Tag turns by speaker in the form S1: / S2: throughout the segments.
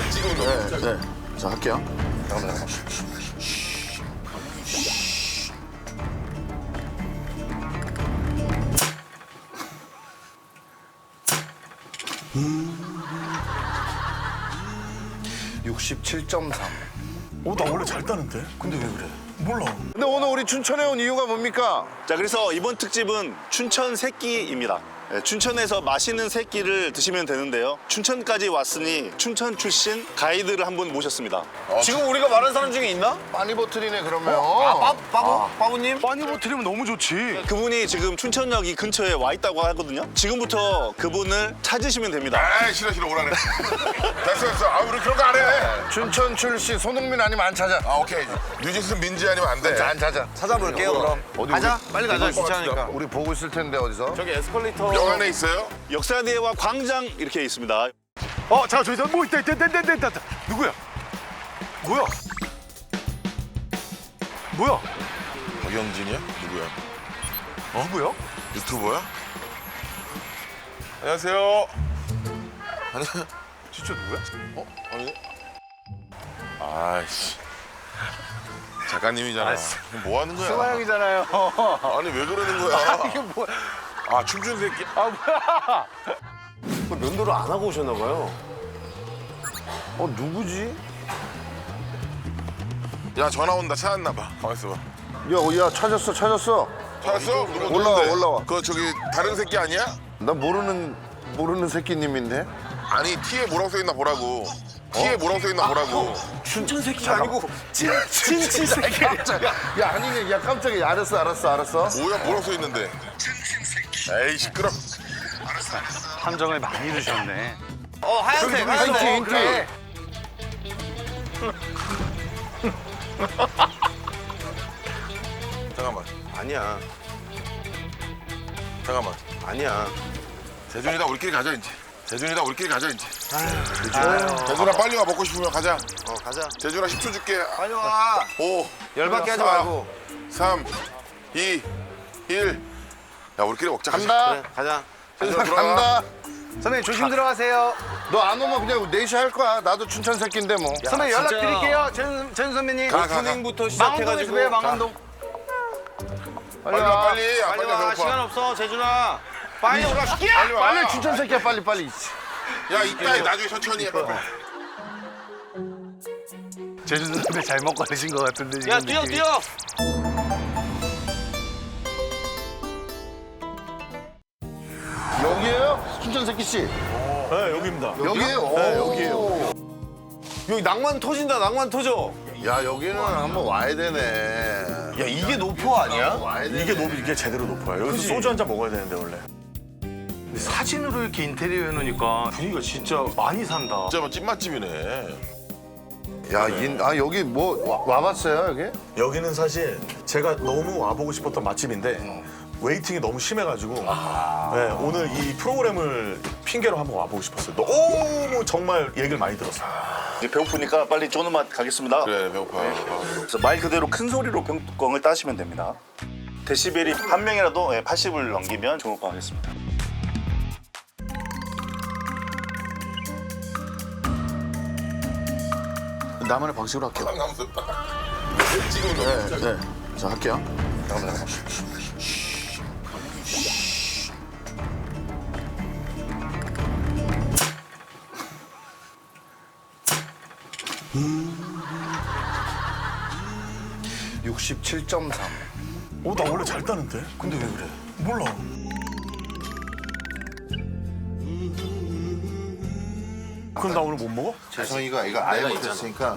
S1: 찍은 거.
S2: 네. 자, 할게요.
S3: 나 원래 잘 따는데? 근데 왜 그래? 몰라.
S2: 근데 오늘 우리 춘천에 온 이유가 뭡니까?
S4: 자, 그래서 이번 특집은 춘천 새끼입니다. 네, 춘천에서 맛있는 새끼를 드시면 되는데요. 춘천까지 왔으니 춘천 출신 가이드를 한 분 모셨습니다.
S5: 지금 우리가 말한 사람 중에 있나?
S2: 빠니보틀이네, 그러면.
S5: 빠부님?
S3: 빠니보틀이면 너무 좋지.
S4: 그분이 지금 춘천역 이 근처에 와 있다고 하거든요. 지금부터 그분을 찾으시면 됩니다.
S1: 아, 싫어, 오라네. 됐어. 아, 우리 그런 거 안 해.
S2: 춘천 출신 손흥민 아니면 안 찾아.
S1: 아, 오케이. 뉴진스 민지 아니면 안 돼.
S2: 안 찾아.
S5: 찾아볼게요, 그럼.
S2: 어디
S5: 가자, 빨리 가자, 귀찮으니까.
S2: 우리 보고 있을 텐데, 어디서?
S5: 저기 에스컬레이터.
S1: 역 안에 있어요?
S4: 역사대와 광장 이렇게 있습니다.
S3: 잠깐 저기서 뭐 있다. 누구야? 뭐야?
S1: 박영진이야? 누구야?
S3: 누구야?
S1: 유튜버야? 안녕하세요. 아니,
S3: 진짜 누구야?
S1: 아니. 아이씨. 작가님이잖아. 뭐 하는 거야?
S5: 승화 형이잖아요.
S1: 아니, 왜 그러는 거야?
S5: 이게 뭐야?
S1: 아, 춤춘 새끼.
S5: 면도를 안 하고 오셨나 봐요.
S2: 누구지?
S1: 야, 전화 온다. 찾았나 봐. 가만있어 봐.
S2: 야, 찾았어.
S1: 찾았어? 누구
S2: 올라와,
S1: 누군데?
S2: 올라와.
S1: 그 저기 다른 새끼 아니야?
S2: 나 모르는 새끼님인데?
S1: 아니, 티에 뭐라고 써 있나 보라고. 티에 뭐라고 써 있나 보라고.
S5: 춘천 새끼가 아니고
S2: 친친 새끼. 깜짝이야. 야, 아니네. 야, 깜짝이야. 알았어.
S1: 뭐야, 뭐라고 써 있는데? 에이, 시끄러.
S3: 함정을 많이 드셨네.
S5: 하얀색.
S2: 힌트.
S5: 그래.
S1: 잠깐만.
S5: 아니야.
S1: 잠깐만.
S5: 아니야.
S1: 재준이다, 우리끼리 가자, 이제. 재준아, 빨리 와. 먹고 싶으면 가자.
S5: 가자.
S1: 재준아, 10초 줄게.
S5: 빨리 와.
S1: 5,
S5: 열받게 하지
S1: 4,
S5: 말고.
S1: 3, 2, 1. 야, 우리끼리 먹자.
S2: 간다.
S5: 그래, 가자.
S1: 재준아, 들어가.
S2: 간다.
S5: 선배님 조심 들어가세요.
S2: 너 안 오면 그냥 넷이 할 거야. 나도 춘천 새끼인데 뭐.
S5: 선배님 연락 드릴게요. 전 선배님.
S1: 가.
S5: 오프닝부터
S6: 망원동에서 봬요, 망원동.
S1: 빨리 와, 빨리. 아,
S5: 빨리 와.
S1: 배고파.
S5: 시간 없어, 재준아. 빨리 올라.
S1: 빨리 와.
S2: 빨리 춘천 새끼야, 빨리.
S1: 야, 이따 나중에 천천히 해. 빨리.
S3: 제주도 선배 잘못 걸리신 것 같은데 지금
S6: 야, 뛰어.
S2: 여기에요? 춘천 새끼 씨.
S3: 네, 여기입니다.
S2: 여기에요?
S3: 네, 여기에요.
S5: 여기 낭만 터진다, 낭만 터져.
S2: 야, 여기는 한번 와야 되네.
S5: 야, 이게 노포 아니야?
S2: 와야 되네.
S3: 이게 제대로 높아요. 여기서 소주 한 잔 먹어야 되는데 원래. 근데 사진으로 이렇게 인테리어 해놓으니까 분위기가 진짜 많이 산다.
S1: 진짜 뭐 찐맛집이네.
S2: 야, 여기 뭐 와봤어요, 여기?
S3: 여기는 사실 제가 너무 와보고 싶었던 맛집인데 웨이팅이 너무 심해가지고 네, 오늘 이 프로그램을 핑계로 한번 와보고 싶었어요. 너무 정말 얘기를 많이 들었어요.
S4: 이제 배고프니까 빨리 쪼는 맛 가겠습니다.
S1: 그래, 배고파.
S4: 그래서 말 그대로 큰 소리로 병뚜껑을 따시면 됩니다. 데시벨이 한 명이라도 80을 넘기면 좋을 것 같습니다.
S2: 나만의 방식으로 할게요.
S1: 남스럽다. 찍은 거.
S2: 네. 자, 할게요.
S3: 나 원래 잘 따는데? 근데 왜 그래? 몰라. 그럼 나 오늘 못 먹어?
S2: 재성이가 이거 아예 못했으니까.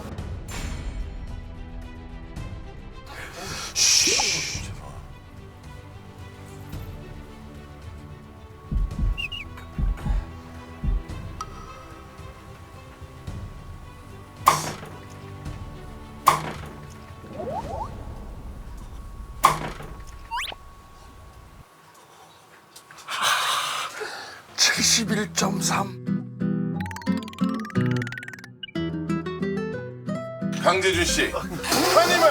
S1: 강재준 씨.
S2: 아니면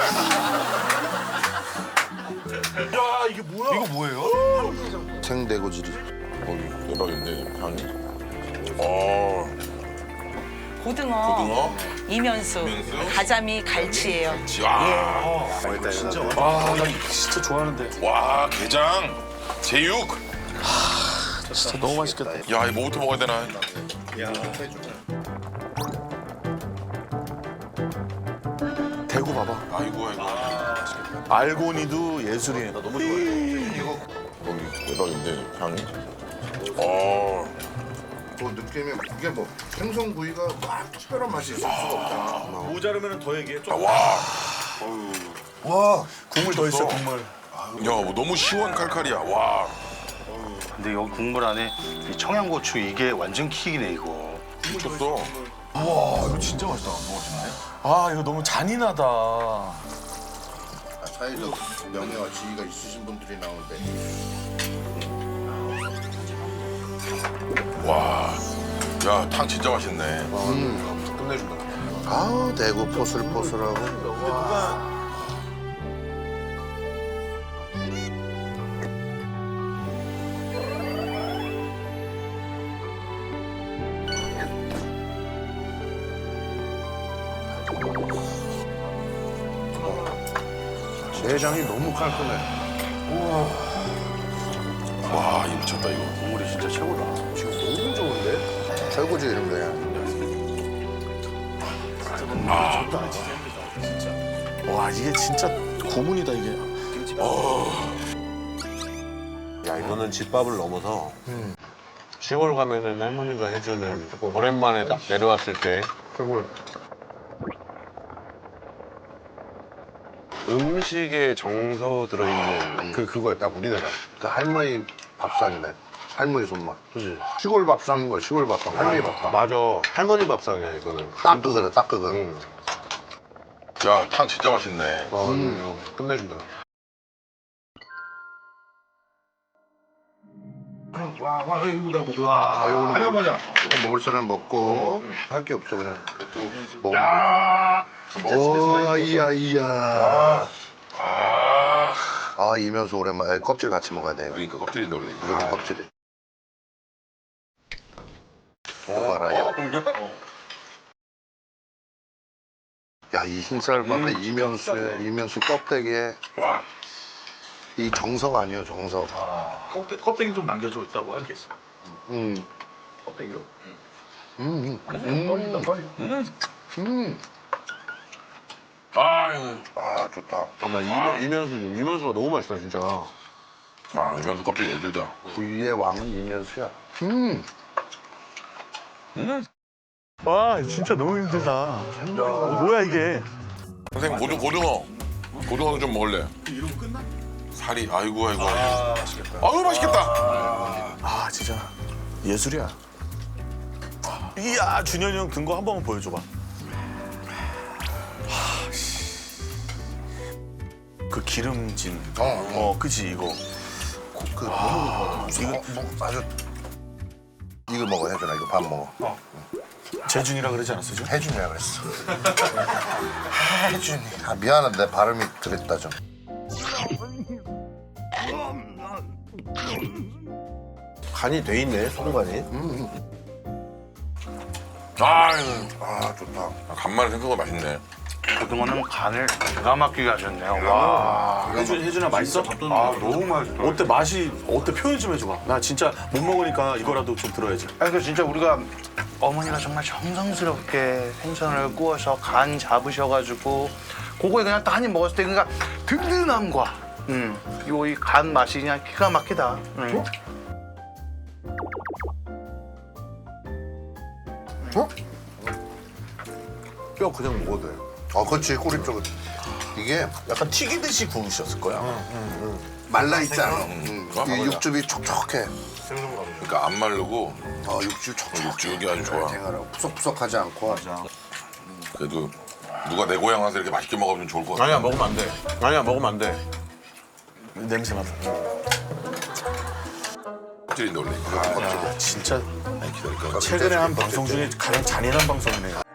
S3: 야, 이게 뭐야? 이거 뭐예요?
S2: 생대고지리.
S1: 대박인데, 향이.
S6: 고등어, 이면수, 가자미, 갈치예요.
S1: 와,
S3: 진짜 좋아하는데.
S1: 와, 게장, 제육.
S3: 진짜 너무 맛있겠다.
S1: 야, 이 뭐부터 먹어야 되나?
S3: 대구 봐봐.
S1: 아이고, 아이고.
S3: 알고니도 예술이에요. 나 너무 좋아해.
S1: 대박인데 향이. 어,
S2: 그 느낌이 이게 뭐 생선구이가 막 특별한 맛이 있을 수가 없잖아.
S3: 모자르면 더 얘기해. 좀.
S1: 와,
S2: 와,
S3: 국물 더 있어, 국물.
S1: 야, 뭐 너무 시원 칼칼이야. 와,
S4: 근데 여기 국물 안에 이 청양고추 이게 완전 킥이네 이거.
S1: 미쳤어.
S3: 와, 이거 진짜 맛있다. 아, 이거 너무 잔인하다.
S2: 사회적 명예와 지위가 있으신 분들이 나오는데
S1: 와, 야, 탕 진짜 맛있네.
S2: 끝내준다. 아우 대구 포슬포슬하고. 내장이 너무 깔끔해.
S1: 와, 이거 미쳤다 이거.
S2: 국물이 진짜 최고다. 지금 너무 좋은데? 최고지 이런 거야.
S3: 와, 이게 진짜 고문이다, 이게.
S7: 야, 이거는 집밥을 넘어서 시골 가면은 할머니가 해주는 오랜만에 딱 내려왔을 때
S2: 최고.
S7: 음식에 정서 들어있는
S2: 그거야 딱 우리나라. 그 할머니 밥상이네. 할머니 손맛. 그지? 시골 밥상인 거야. 시골 밥상. 할머니 밥상.
S7: 맞아, 할머니 밥상이야 이거는.
S2: 딱 그거네. 딱 그거.
S7: 응.
S1: 야, 탕 진짜 맛있네.
S7: 이거 끝내준다.
S2: 할머니야. 먹을 사람 먹고 할 게 없어 그냥. 먹으면 돼. 오, 이야. 아, 이면수 오랜만에 껍질 같이 먹어야 돼.
S1: 그러니까 껍질인데 원래.
S2: 이거 껍질이. 이거 봐라, 야. 야, 이 흰쌀 봐봐. 이면수 껍데기에. 이 정석 아니에요, 정석.
S3: 껍데기 좀 남겨줘 있다고 하겠어.
S2: 껍데기로.
S1: 아,
S2: 아, 좋다.
S7: 나 이면수가 너무 맛있다 진짜.
S1: 아, 이건 껍질 애들다.
S2: 구이의 왕은 이면수야.
S3: 와, 진짜 너무 힘들다. 뭐야, 이게.
S1: 선생님 고등어는 좀 먹을래. 이러고 끝나? 살이 아이고. 맛있겠다. 아유 맛있겠다.
S3: 아, 진짜 예술이야. 이야, 준현이 형 든 거 한 번만 보여줘봐. 하, 씨. 그 기름진. 그치, 이거.
S2: 이거 아주. 이거 먹어, 혜준아. 이거 밥 먹어.
S3: 재준이라 그러지 않았어, 지금?
S2: 혜준이라 그랬어. 혜준이. 아, 미안하다. 내 발음이 그랬다, 좀.
S7: 간이 돼 있네 소금간이.
S2: 아, 좋다.
S1: 간만에 생각보다 맛있네.
S4: 고등어는 간을 기가 막히게 하셨네요. 와.
S3: 혜준아, 맛있어?
S4: 너무 맛있어.
S3: 어때, 맛이, 어때, 표현 좀 해줘봐. 나 진짜 못 먹으니까 이거라도 좀 들어야지.
S4: 아니 그 진짜 우리가 어머니가 정말 정성스럽게 생선을 구워서 간 잡으셔가지고 그거에 그냥 딱 한 입 먹었을 때 그러니까 든든함과 요 이 간 맛이 그냥 기가 막히다.
S7: 뼈 그냥 먹어도 돼.
S2: 그렇지. 꼬리 쪽은. 이게
S3: 약간 튀기듯이 구우셨을 거야.
S2: 말라있잖아.
S1: 맞아.
S2: 이 육즙이 촉촉해.
S1: 그러니까 안 마르고
S2: 육즙 촉촉해.
S1: 육즙이 아주 좋아.
S2: 생활하고 푸석푸석하지 않고.
S1: 그래도 누가 내 고향 와서 이렇게 맛있게 먹으면 좋을 것 같아.
S7: 아니야 먹으면 안 돼. 아니야 먹으면 안 돼.
S3: 냄새 맡아.
S1: 껍질인데 원래.
S3: 진짜
S1: 기다릴까?
S3: 최근에 한 방송 중에 가장 잔인한 방송이네.